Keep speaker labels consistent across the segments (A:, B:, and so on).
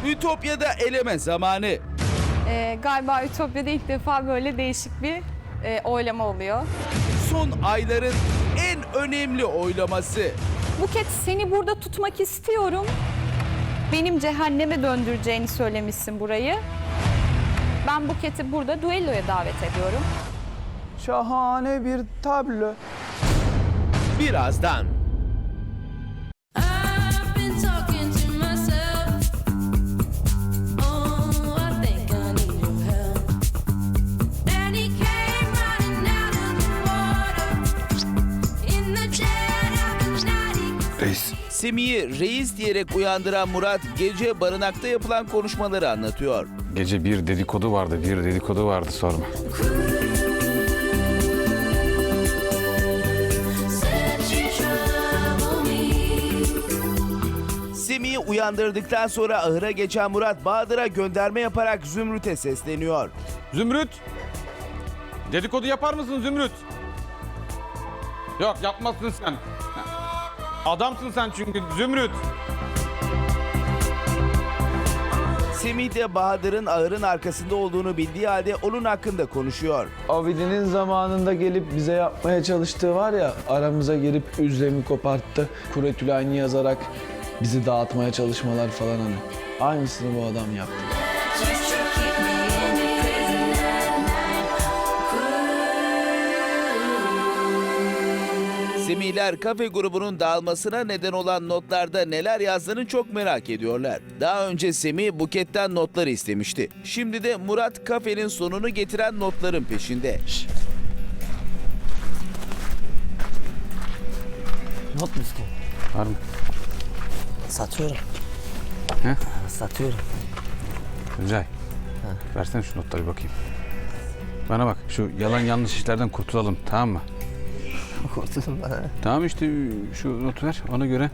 A: Ütopya'da eleme zamanı.
B: Galiba Ütopya'da ilk defa böyle değişik bir oylama oluyor.
A: Son ayların en önemli oylaması.
B: Buket, seni burada tutmak istiyorum. Benim cehenneme döndüreceğini söylemişsin burayı. Ben Buket'i burada düelloya davet ediyorum.
C: Şahane bir tablo.
A: Birazdan.
D: I've been talking to myself. Oh, I think I need your help. And he came running out of the water in the dead of the night.
C: Reis.
A: Semih'i reis diyerek uyandıran Murat gece barınakta yapılan konuşmaları anlatıyor.
E: Gece bir dedikodu vardı sorma.
D: Said you trouble me.
A: Semih'i uyandırdıktan sonra ahıra geçen Murat Bahadır'a gönderme yaparak Zümrüt'e sesleniyor.
E: Zümrüt! Dedikodu yapar mısın Zümrüt? Yok yapmazsın sen. Adamsın sen çünkü Zümrüt.
A: Semih de Bahadır'ın ahırın arkasında olduğunu bildiği halde onun hakkında konuşuyor.
C: Abidinin zamanında gelip bize yapmaya çalıştığı var ya, aramıza girip üzlemi koparttı. Kuretülayni yazarak bizi dağıtmaya çalışmalar falan hani. Aynısını bu adam yaptı.
D: Just to keep me in the prison at night.
A: Semihler kafe grubunun dağılmasına neden olan notlarda neler yazdığını çok merak ediyorlar. Daha önce Semih Buket'ten notları istemişti. Şimdi de Murat kafenin sonunu getiren notların peşinde.
F: Not mu istiyorsun?
E: Var mı?
F: Satıyorum.
E: He?
F: Satıyorum.
E: Tuncay. Versene şu notları bir bakayım. Bana bak şu yalan yanlış işlerden kurtulalım tamam mı?
F: Kurtuldum ben.
E: Tamam işte şu notu ver ona göre.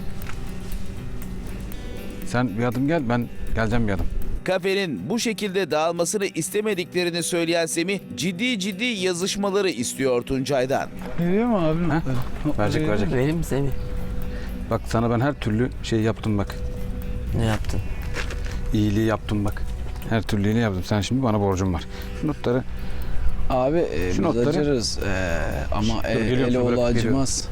E: Sen bir adım gel ben geleceğim bir adım.
A: Kafenin bu şekilde dağılmasını istemediklerini söyleyen Semih ciddi yazışmaları istiyor Tuncay'dan.
C: Veriyor mu abi?
E: Ha? Verecek.
F: Vereyim mi Semih?
E: Bak sana ben her türlü şey yaptım bak.
F: Ne yaptın?
E: İyiliği yaptım bak. Her türlü iyiliği yaptım. Sen şimdi bana borcun var. Şu notları
C: Abi
E: Şu
C: biz
E: notları-
C: acırız ama
E: Dur, geliyorum,
C: ele
E: bırak,
C: oğlu acımaz.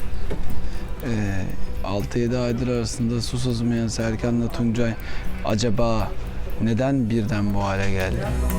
C: 6-7 aydır arasında su sızmayan Serkan'la Tuncay acaba neden birden bu hale geldi?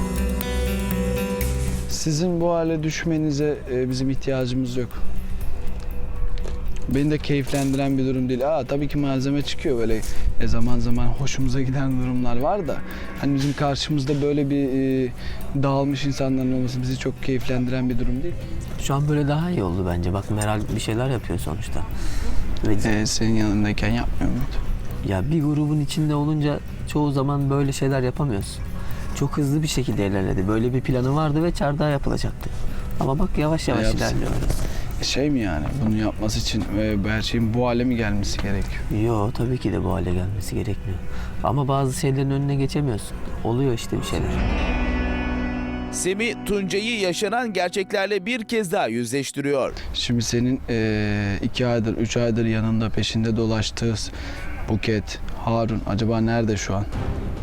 C: Sizin bu hale düşmenize bizim ihtiyacımız yok. Beni de keyiflendiren bir durum değil. Tabii ki malzeme çıkıyor böyle zaman zaman hoşumuza giden durumlar var da hani bizim karşımızda böyle bir dağılmış insanların olması bizi çok keyiflendiren bir durum değil.
F: Şu an böyle daha iyi oldu bence. Bak Meral bir şeyler yapıyor sonuçta. Ve
C: Senin yanındayken yapmıyor muydu?
F: ya bir grubun içinde olunca çoğu zaman böyle şeyler yapamıyorsun. Çok hızlı bir şekilde ilerledi. Böyle bir planı vardı ve çardağa yapılacaktı. Ama bak yavaş yavaş
C: Yapsın.
F: ilerliyor.
C: Şey mi yani bunu yapması için her şeyin bu hale mi gelmesi gerekiyor?
F: Yo tabii ki de bu hale gelmesi gerekmiyor. Ama bazı şeylerin önüne geçemiyorsun. Oluyor işte bir şeyler.
A: Semih Tuncay'ı yaşanan gerçeklerle bir kez daha yüzleştiriyor.
C: Şimdi senin 2 aydır, 3 aydır yanında peşinde dolaştığı Buket, Harun acaba nerede şu an?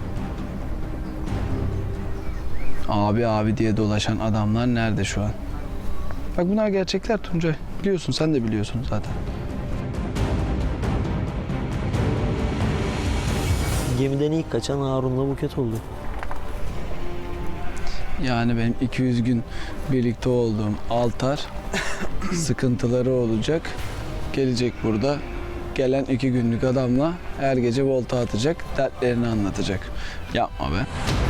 C: Abi diye dolaşan adamlar nerede şu an? Bak bunlar gerçekler Tuncay. Biliyorsun, sen de biliyorsun zaten.
F: Gemiden ilk kaçan Harun'la Buket oldu.
C: Yani benim 200 gün birlikte olduğum Altar sıkıntıları olacak. Gelecek burada. Gelen 2 günlük adamla her gece volta atacak, dertlerini anlatacak. Yapma be.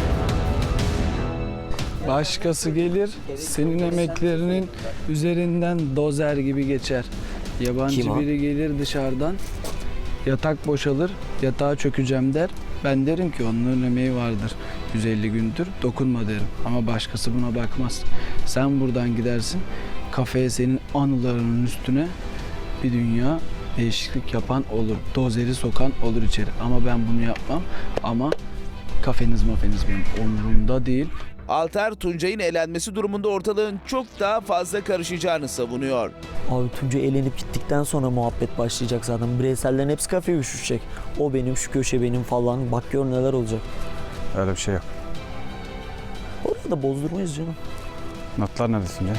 C: Başkası gelir, senin emeklerinin üzerinden dozer gibi geçer. Yabancı
F: Kim o?
C: biri gelir dışarıdan, yatak boşalır, yatağa çökeceğim der. Ben derim ki onların emeği vardır. 150 gündür dokunma derim. Ama başkası buna bakmaz. Sen buradan gidersin, kafeye senin anılarının üstüne bir dünya değişiklik yapan olur. Dozeri sokan olur içeri. Ama ben bunu yapmam. Ama kafeniz benim umurumda değil.
A: Altar, Tuncay'ın elenmesi durumunda ortalığın çok daha fazla karışacağını savunuyor.
G: Abi Tuncay elenip gittikten sonra muhabbet başlayacak zaten. Bireysellerin hepsi kafeye üşüşecek. O benim, şu köşe benim falan. Bak gör neler olacak.
E: Öyle bir şey yok.
G: Orada da bozdurmayız canım.
E: Notlar nerede Tuncay?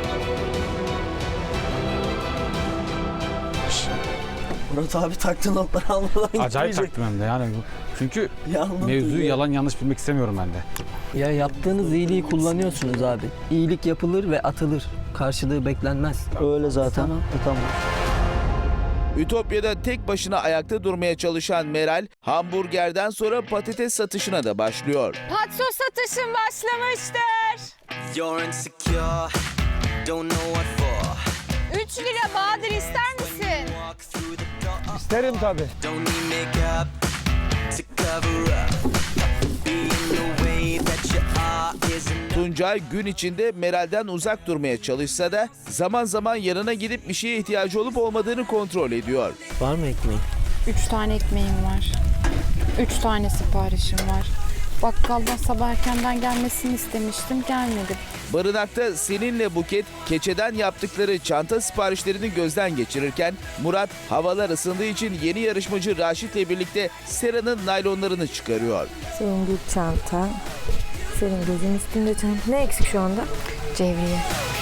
G: Murat abi taktı notları almadan
E: Acayip
G: gitmeyecek.
E: taktım hem de yani. Çünkü
G: Ya anlat
E: mevzuyu
G: ya.
E: yalan yanlış bilmek istemiyorum ben de.
F: Ya yaptığınız iyiliği kullanıyorsunuz abi. İyilik yapılır ve atılır. Karşılığı beklenmez.
G: Öyle zaten.
F: Tamam.
G: Tamam.
A: Ütopya'da tek başına ayakta durmaya çalışan Meral, hamburgerden sonra patates satışına da başlıyor.
B: Patso satışım başlamıştır.
H: You're insecure, don't know what for.
B: 3 lira Bahadır ister misin?
H: Walk through the door,
C: İsterim tabii.
H: don't need makeup to cover up. Being the way that you are isn't
A: Tuncay gün içinde Meral'den uzak durmaya çalışsa da zaman zaman yanına gidip bir şeye ihtiyacı olup olmadığını kontrol ediyor.
G: Var mı ekmeğin?
I: 3 tane ekmeğim var. 3 tane siparişim var. Bakkaldan sabah erkenden gelmesini istemiştim, gelmedi.
A: Barınakta seninle Buket keçeden yaptıkları çanta siparişlerini gözden geçirirken Murat havalar ısındığı için yeni yarışmacı Raşit'le birlikte Sera'nın naylonlarını çıkarıyor.
J: Senin bir çanta, senin gözün üstünde çanta. Ne eksik şu anda?
I: Cevriye.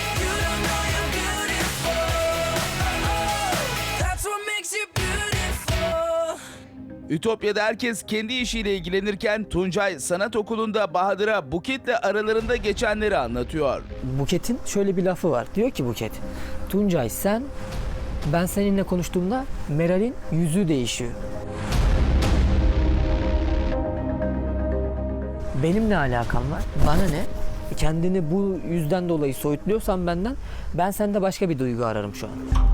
H: that's what makes you beautiful.
A: Ütopya'da herkes kendi işiyle ilgilenirken Tuncay sanat okulunda Bahadır'a Buket'le aralarında geçenleri anlatıyor.
F: Buket'in şöyle bir lafı var. Diyor ki Buket, Tuncay ben seninle konuştuğumda Meral'in yüzü değişiyor. Benim ne alakam var? Bana ne? Kendini bu yüzden dolayı soyutluyorsan benden, ben sende başka bir duygu ararım şu an.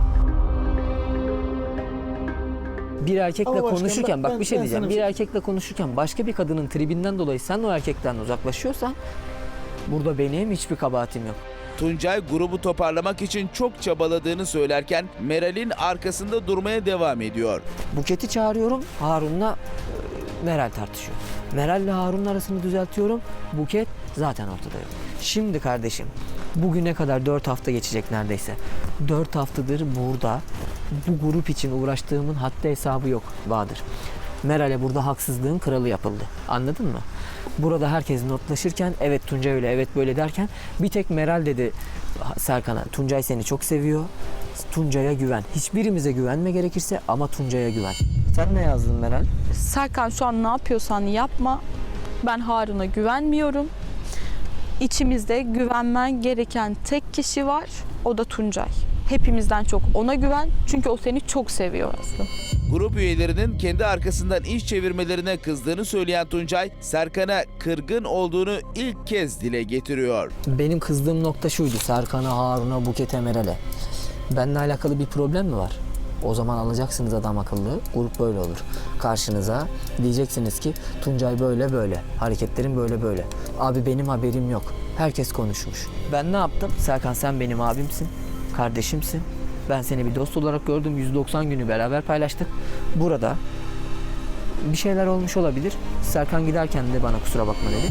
F: Bir erkekle
G: Ama başkanım,
F: konuşurken, bak bir şey
G: ben
F: diyeceğim.
G: sana
F: Bir
G: bir şey-
F: erkekle konuşurken başka bir kadının tribinden dolayı sen o erkekten uzaklaşıyorsan burada benim hiçbir kabahatim yok.
A: Tuncay grubu toparlamak için çok çabaladığını söylerken Meral'in arkasında durmaya devam ediyor.
F: Buket'i çağırıyorum, Harun'la Meral tartışıyor. Meral'le Harun'un arasını düzeltiyorum, Buket zaten ortada yok. Şimdi kardeşim, bugüne kadar 4 hafta geçecek neredeyse. 4 haftadır burada bu grup için uğraştığımın haddi hesabı yok Bahadır. Meral'e burada haksızlığın kralı yapıldı. Anladın mı? Burada herkes notlaşırken evet Tuncay öyle, evet böyle derken bir tek Meral dedi Serkan'a, Tuncay seni çok seviyor. Tuncay'a güven. Hiçbirimize güvenme gerekirse ama Tuncay'a güven. Sen ne yazdın Meral?
B: Serkan şu an ne yapıyorsan yapma. Ben Harun'a güvenmiyorum. İçimizde güvenmen gereken tek kişi var. O da Tuncay. Hepimizden çok ona güven. Çünkü o seni çok seviyor aslında.
A: Grup üyelerinin kendi arkasından iş çevirmelerine kızdığını söyleyen Tuncay, Serkan'a kırgın olduğunu ilk kez dile getiriyor.
F: Benim kızdığım nokta şuydu. Serkan'a, Harun'a, Buket'e, Meral'e. Benimle alakalı bir problem mi var? O zaman alacaksınız adam akıllı. Grup böyle olur. Karşınıza diyeceksiniz ki Tuncay böyle böyle. Hareketlerin böyle böyle. Abi benim haberim yok. Herkes konuşmuş. Ben ne yaptım? Serkan sen benim abimsin. Kardeşimsin. Ben seni bir dost olarak gördüm. 190 günü beraber paylaştık. Burada bir şeyler olmuş olabilir. Serkan giderken de bana kusura bakma dedi.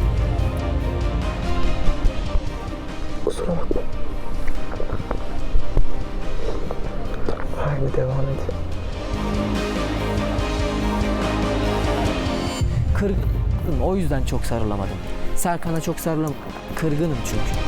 G: Haydi devam et.
F: Kırgınım. O yüzden çok sarılamadım. Serkan'a çok sarılamadım. Kırgınım çünkü.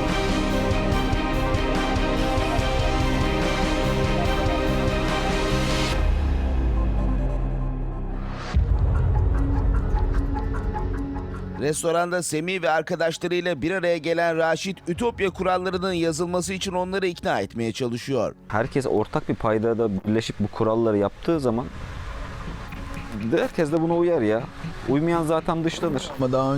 A: Restoranda Semih ve arkadaşlarıyla bir araya gelen Raşit, Ütopya kurallarının yazılması için onları ikna etmeye çalışıyor.
K: Herkes ortak bir paydada birleşip bu kuralları yaptığı zaman herkes de buna uyar ya. Uymayan zaten dışlanır.
C: Ama daha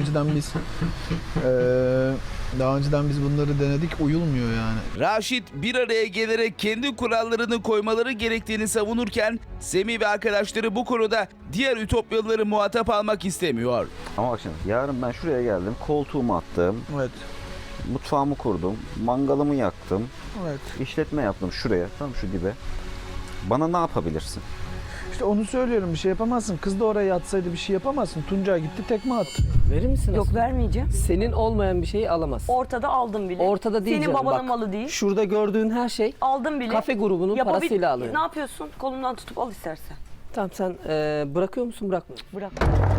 C: önceden biz bunları denedik, uyulmuyor yani.
A: Raşit bir araya gelerek kendi kurallarını koymaları gerektiğini savunurken Semih ve arkadaşları bu konuda diğer Ütopyalıları muhatap almak istemiyor.
K: Ama bak şimdi yarın ben şuraya geldim, koltuğumu attım,
C: Evet.
K: mutfağımı kurdum, mangalımı yaktım,
C: Evet.
K: işletme yaptım şuraya, tam şu dibe. Bana ne yapabilirsin?
C: İşte onu söylüyorum, bir şey yapamazsın. Kız da oraya yatsaydı bir şey yapamazsın. Tuncay gitti tekme attı.
F: Verir misin?
L: Yok vermeyeceğim.
F: Senin olmayan bir şeyi alamazsın.
L: Ortada aldım bile.
F: Ortada değil
L: Senin
F: canım,
L: babanın
F: bak.
L: malı değil.
F: Şurada gördüğün her şey
L: Aldım bile.
F: kafe grubunun parasıyla alıyor.
L: Ne yapıyorsun? Kolumdan tutup al istersen.
F: Tamam sen bırakıyor musun bırakmıyor musun?
L: Bırak.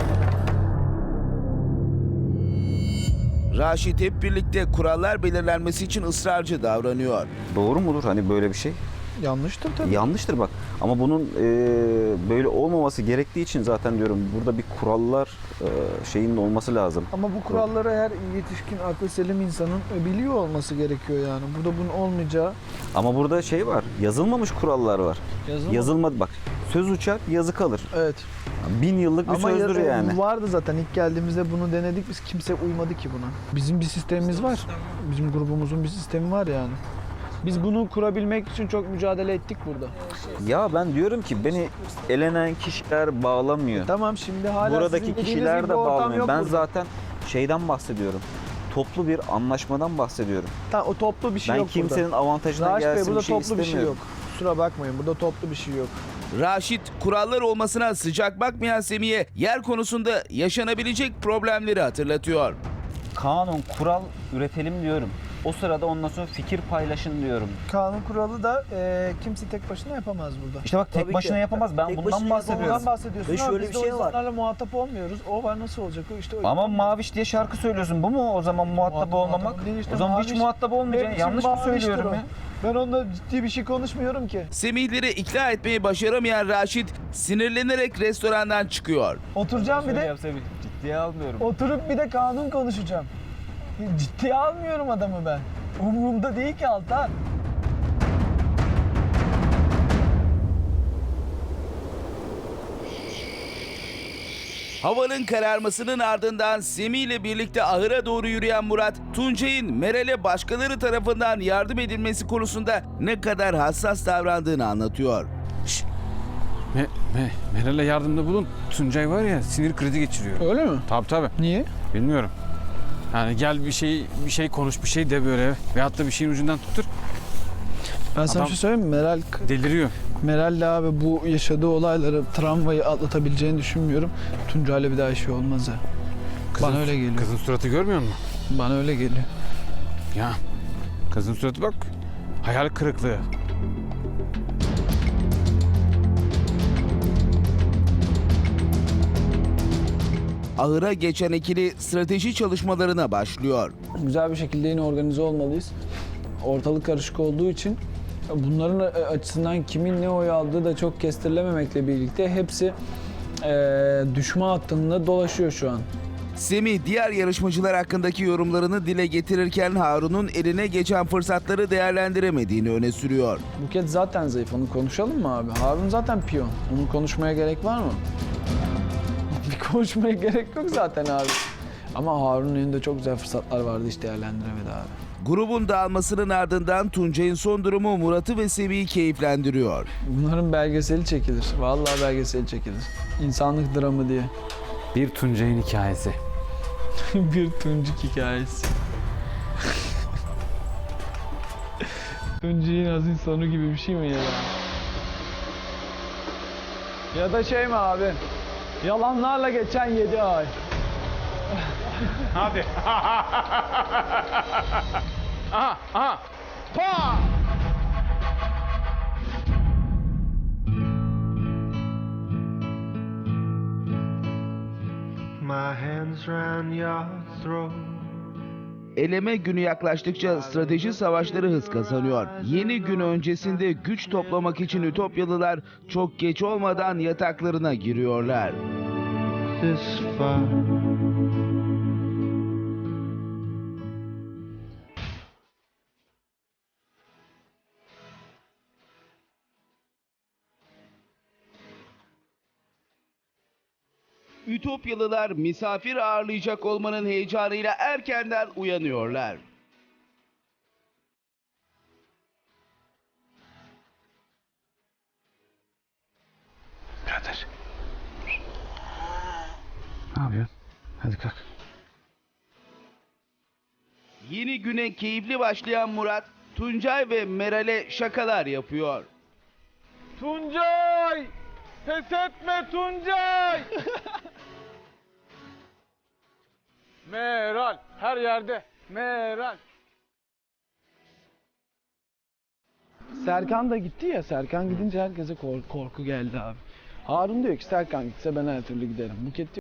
A: Raşit hep birlikte kurallar belirlenmesi için ısrarcı davranıyor.
K: Doğru mudur hani böyle bir şey?
C: Yanlıştır tabii.
K: Yanlıştır bak. Ama bunun böyle olmaması gerektiği için zaten diyorum burada bir kurallar şeyinin olması lazım.
C: Ama bu kuralları her yetişkin aklı selim insanın biliyor olması gerekiyor yani. Burada bunun olmayacağı
K: Ama burada şey var. Yazılmamış kurallar var. Yazılmadı bak. Söz uçar, yazı kalır.
C: Evet.
K: 1000 yıllık bir sözdür yani.
C: Vardı zaten ilk geldiğimizde bunu denedik biz, kimse uymadı ki buna. Bizim bir sistemimiz var. Bizim grubumuzun bir sistemi var yani. Biz bunu kurabilmek için çok mücadele ettik burada.
K: Ya ben diyorum ki beni elenen kişiler bağlamıyor.
C: Tamam şimdi hala
K: Buradaki
C: sizin dediğiniz
K: kişiler
C: gibi
K: de
C: bir ortam
K: bağlamıyor.
C: yok
K: Ben
C: burada.
K: zaten şeyden bahsediyorum. Toplu bir anlaşmadan bahsediyorum.
C: Tamam, o toplu bir şey
K: Ben
C: yok
K: kimsenin
C: burada.
K: avantajına
C: Raşit Bey,
K: gelsin
C: burada
K: bir şey
C: toplu bir şey
K: istemiyorum.
C: yok. Kusura bakmayın, burada toplu bir şey yok.
A: Raşit kurallar olmasına sıcak bakmayan Semih'e yer konusunda yaşanabilecek problemleri hatırlatıyor.
K: Kanun, kural üretelim diyorum. O sırada ondan sonra fikir paylaşın diyorum.
C: Kanun kuralı da kimse tek başına yapamaz burada.
K: İşte bak tek
G: Tabii
K: başına
G: ki.
K: yapamaz. Ben
G: Tek
K: bundan
G: başına
K: bahsediyorum.
C: Ondan bahsediyorsun
G: Ve
C: ama
G: şöyle
C: biz
G: bir
C: de
G: şey
C: o
G: var.
C: insanlarla muhatap olmuyoruz. O var, nasıl olacak o işte.
K: Ama Maviş diye şarkı söylüyorsun. Bu mu o zaman muhatap olmamak?
C: muhatap değil işte,
K: O zaman hiç
C: Maviş
K: muhatap olmayacaksın.
C: benim için
K: Yanlış mı
C: Maviş'tir
K: söylüyorum
C: o.
K: ya?
C: Ben onunla ciddi bir şey konuşmuyorum ki.
A: Semihleri ikna etmeyi başaramayan Raşit sinirlenerek restorandan çıkıyor.
C: Oturacağım bir de,
K: Ciddiye almıyorum.
C: oturup bir de kanun konuşacağım. Ciddiye almıyorum adamı ben. Umurumda değil ki Altan.
A: Havanın kararmasının ardından Semih ile birlikte ahıra doğru yürüyen Murat, Tuncay'ın Meral'e başkaları tarafından yardım edilmesi konusunda ne kadar hassas davrandığını anlatıyor.
E: Meral'e yardımda bulun. Tuncay var ya sinir krizi geçiriyor.
C: Öyle mi?
E: Tabii.
C: Niye?
E: Bilmiyorum. Yani gel bir şey konuş bir şey de böyle veyahut da bir şeyin ucundan tuttur.
C: Ben sana
E: Adam-
C: bir şey söyleyeyim mi?
E: Deliriyor.
C: Meral'le abi bu yaşadığı olayları, travmayı atlatabileceğini düşünmüyorum. Tuncay'la bir daha işi olmaz ha. Bana öyle geliyor.
E: Kızın suratı görmüyor musun?
C: Bana öyle geliyor.
E: Ya kızın suratı bak. Hayal kırıklığı.
A: Ahıra geçen ikili strateji çalışmalarına başlıyor.
C: Güzel bir şekilde yine organize olmalıyız. Ortalık karışık olduğu için bunların açısından kimin ne oy aldığı da çok kestirilememekle birlikte hepsi düşman hattında dolaşıyor şu an.
A: Semih diğer yarışmacılar hakkındaki yorumlarını dile getirirken Harun'un eline geçen fırsatları değerlendiremediğini öne sürüyor.
C: Buket zaten zayıf, onu konuşalım mı abi? Harun zaten piyon. Onun konuşmaya gerek var mı? Bir konuşmaya gerek yok zaten abi. Ama Harun'un elinde çok güzel fırsatlar vardı, hiç değerlendiremedi abi.
A: Grubun dağılmasının ardından Tuncay'ın son durumu Murat'ı ve Semih'i keyiflendiriyor.
C: Bunların belgeseli çekilir. Vallahi belgeseli çekilir. İnsanlık dramı diye.
E: Bir Tuncay'ın hikayesi.
C: Bir Tuncuk hikayesi. Tuncuk'un azin sonu gibi bir şey mi ya? Ya da şey mi abi? Yalanlarla geçen 7 ay.
E: Hadi. Aha. Pa!
H: My hands round your throat.
A: Eleme günü yaklaştıkça strateji savaşları hız kazanıyor. Yeni gün öncesinde güç toplamak için Ütopyalılar çok geç olmadan yataklarına giriyorlar.
H: This far.
A: Ütopyalılar misafir ağırlayacak olmanın heyecanıyla erkenden uyanıyorlar.
E: Birader. Ne yapıyorsun? Hadi kalk.
A: Yeni güne keyifli başlayan Murat, Tuncay ve Meral'e şakalar yapıyor.
C: Tuncay! Pes etme Tuncay! Meral her yerde. Meral. Serkan da gitti ya. Serkan gidince herkese korku geldi abi. Harun diyor ki Serkan gitse ben her türlü giderim. Buket diyor